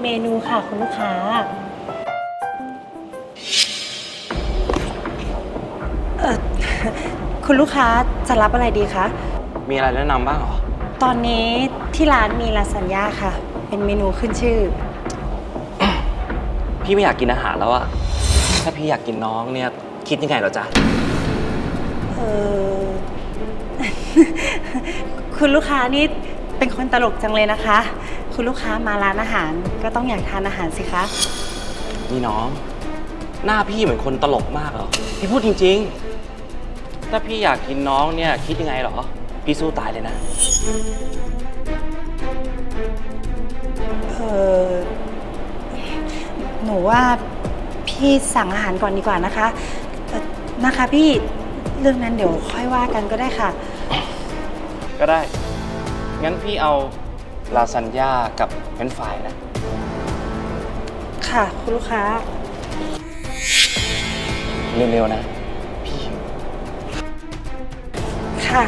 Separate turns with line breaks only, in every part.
เมนูค่ะคุณลูกค้าเออคุณลูกค้าจะรับอะไรดีคะ
มีอะไรแนะนำบ้างเหรอ
ตอนนี้ที่ร้านมีลาซานญ่าค่ะเป็นเมนูขึ้นชื่อ
พี่ไม่อยากกินอาหารแล้วอะถ้าพี่อยากกินน้องเนี่ยคิดยังไงเหรอจ๊ะ
เออ คุณลูกค้านี่เป็นคนตลกจังเลยนะคะ คุณลูกค้ามาร้านอาหารก็ต้องอยากทานอาหารสิคะ
นี่น้องหน้าพี่เหมือนคนตลกมากเหรอพี่พูดจริงๆถ้าพี่อยากกินน้องเนี่ยคิดยังไงเหรอพี่สู้ตายเลยนะ
หนูว่าพี่สั่งอาหารก่อนดีกว่านะคะนะคะพี่เรื่องนั้นเดี๋ยวค่อยว่ากันก็ได้ค่ะ
ก็ได้งั้นพี่เอาลาซานญ่ากับเฟรนช์ฟรายนะ
ค่ะคุณลูกค้า
เร็วๆนะพี่หิว
ค่ะ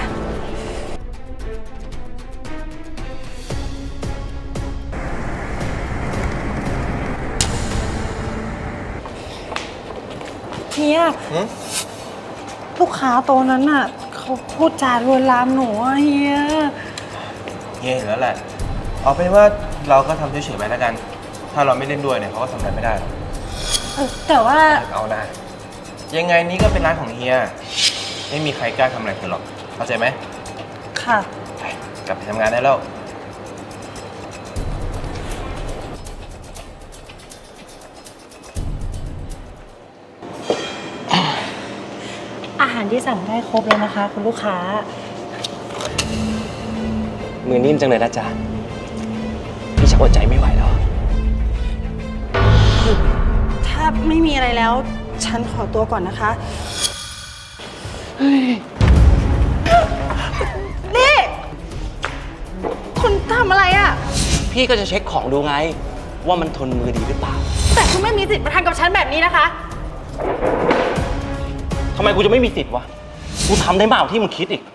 เฮียลูกค้าโตนั้นน่ะเขาพูดจาลวนลามหนูอะเฮีย
เห็นแล้วแหละเอาเป็นว่าเราก็ทำเฉยๆไปแล้วกันถ้าเราไม่เล่นด้วยเนี่ยเขาก็ทำอะไรไม่ได้หรอก
แต่ว่า
เอานะยังไงนี้ก็เป็นร้านของเฮียไม่มีใครกล้าทำอะไรเธอหรอกเข้าใจไหม
ค่ะ
ไปกลับไปทำงานได้แล้ว
อาหารที่สั่งได้ครบแล้วนะคะคุณลูกค้า
มือนิ่มจังเลยนะจ๊ะพี่ชักอดใจไม่ไหวแล้ว
ถ้าไม่มีอะไรแล้วฉันขอตัวก่อนนะคะนี่คุณทำอะไรอ่ะ
พี่ก็จะเช็คของดูไงว่ามันทนมือดีหรือเปล่า
แต่คุณไม่มีสิทธิ์มาทำกับฉันแบบนี้นะคะ
ทำไมกูจะไม่มีสิทธิ์วะกูทำได้มากกว่าที่มึงคิดอีก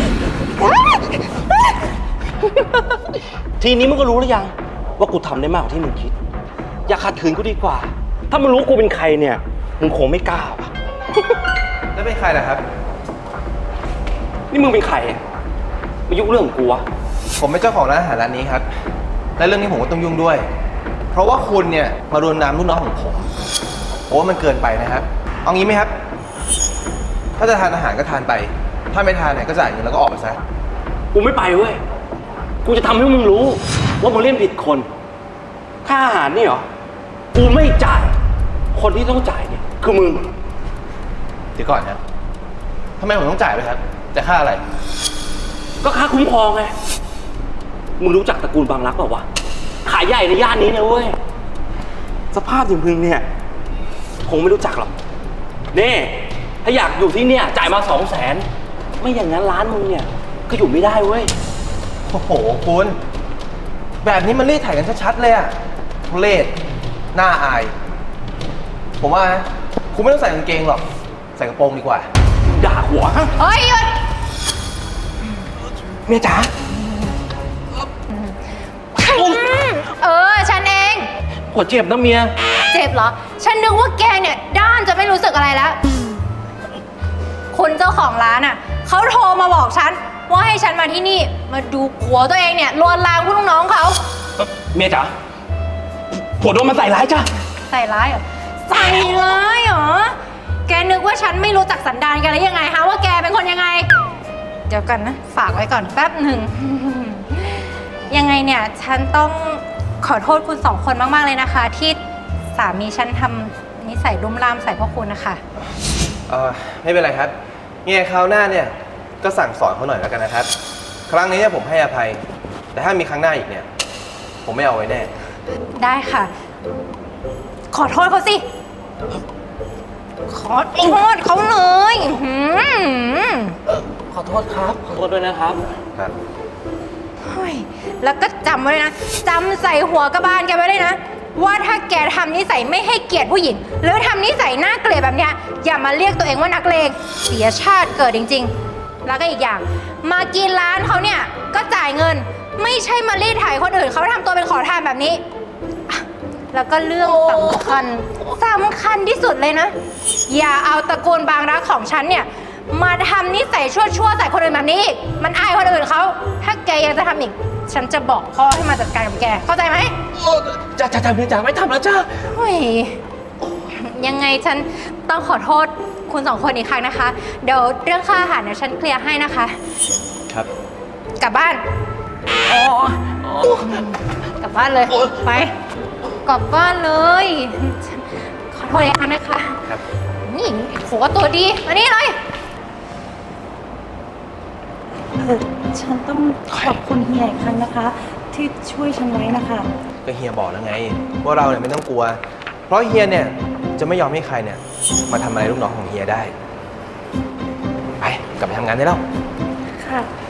ทีนี้มึงก็รู้หรือยังว่ากูทำได้มากกว่าที่มึงคิดอย่าขัดขืนกูดีกว่าถ้ามึงรู้กูเป็นใครเนี่ยมึงคงไม่กล้าว่ะ
แล้วเป็นใครล่ะครับ
นี่มึงเป็นใครมายุ่งเรื่องของกูวะ
ผมเป็นเจ้าของร้านอาหารร้านนี้ครับและเรื่องนี้ผมก็ต้องยุ่งด้วยเพราะว่าคุณเนี่ยมารวนลามลูกน้องของผมโอ้มันเกินไปนะครับเอางี้ไหมครับถ้าจะทานอาหารก็ทานไปถ้าไม่ทานเนี่ยก็จ่ายเงินแล้วก็ออกไปซะ
กูไม่ไปเว้ยกูจะทำให้มึงรู้ว่ามึงเล่นผิดคนค่าอาหารนี่เหรอกูไม่จ่ายคนที่ต้องจ่ายเนี่ยคือมึง
เดี๋ยวก่อนครับทำไมผมต้องจ่ายด้วยครับจะค่าอะไร
ก็ค่าคุ้มครองไงมึงรู้จักตระกูลบางรักเปล่าวะขายใหญ่ในย่านนี้นะเว้ยสภาพอย่างมึงเนี่ยคงไม่รู้จักหรอกนี่ถ้าอยากอยู่ที่เนี่ยจ่ายมา200,000ไม่อย่างนั้นร้านมึงเนี่ยก็อยู่ไม่ได้เว้ย
โอ้โหคุณแบบนี้มันรีดไถกันชัดๆเลยอะทุเรศหน้าอายผมว่านะคุณไม่ต้องใส่กางเกงหรอกใส่กระโปรงดีกว่า
ด่าหัว
เฮ้ยหยุด
เมียจ๋า
ฉันเอง
หัวเจ็บนะเมีย
เจ็บเหรอฉันนึกว่าแกเนี่ยด้านจะไม่รู้สึกอะไรแล้วคุณเจ้าของร้านอ่ะเขาโทรมาบอกฉันว่าให้ฉันมาที่นี่มาดูผัวตัวเองเนี่ยลวนลามผู้ลูกน้องเขา
เมียจ๋าผัวโดนมันใส่ร้ายจ้ะ
ใส่ร้ายเหรอใส่ร้ายเหรอแกนึกว่าฉันไม่รู้จักสันดานแกแล้วยังไงฮะว่าแกเป็นคนยังไงเดี๋ยวกันนะฝากไว้ก่อนแป๊บหนึ่ง ยังไงเนี่ยฉันต้องขอโทษคุณ2 คนมากๆเลยนะคะที่สามีฉันทำนิสัยรุ่มร่ามใส่พวกคุณนะคะ
ไม่เป็นไรครับเนี่ยคราวหน้าเนี่ยก็สั่งสอนเขาหน่อยแล้วกันนะครับครั้งนี้เนี่ยผมให้อภัยแต่ถ้ามีครั้งหน้าอีกเนี่ยผมไม่เอาไว้แน่
ได้ค่ะขอโทษเขาสิขอโทษเขาเลย
ขอโทษครับขอโทษด้วยนะครับ
ครับ
แล้วก็จำไว้เลยนะจำใส่หัวกระบาลแกไว้เลยนะว่าถ้าแกทำนิสัยไม่ให้เกียรติผู้หญิงหรือทำนิสัยน่าเกลียดแบบเนี้ยอย่ามาเรียกตัวเองว่านักเลงเสียชาติเกิดจริงๆแล้วก็อีกอย่างมากินร้านเขาเนี่ยก็จ่ายเงินไม่ใช่มารีดไถคนอื่นเขาทำตัวเป็นขอทานแบบนี้แล้วก็เรื่องสำคัญที่สุดเลยนะ อย่าเอาตระกูลบางรักของฉันเนี่ยมาทำนิสัยชั่วๆใส่คนอื่นแบบนี้อีกมันอายคนอื่นเขาถ้าแกยังจะทำอีกฉันจะบอกพ่อให้มาจัดการกับแกเข้าใจไหม
จ้าไม่จ้าไม่ทำแล้วจ้า
เฮ้ยยังไงฉันต้องขอโทษคุณสองคนอีกครั้งนะคะ เดี๋ยวเรื่องค่าอาหารเนี่ยฉันเคลียร์ให้นะคะ
ครับ
กลับบ้านกลับบ้านเลยไปกลับบ้านเลยขอโทษอีกครั้งนะคะ
ครับ
นี่โหตัวดีมานี่เลย
ฉันต้องขอบคุณเฮียอีกครั้งนะคะ ที่ช่วยฉันไว้นะคะ
ก็เฮียบอกแล้วไงว่าเราเนี่ยไม่ต้องกลัว เพราะเฮียเนี่ยจะไม่ยอมให้ใครเนี่ยมาทำอะไรลูกน้องของเฮียได้ ไปกลับไปทำงานได้แล้ว
ค่ะ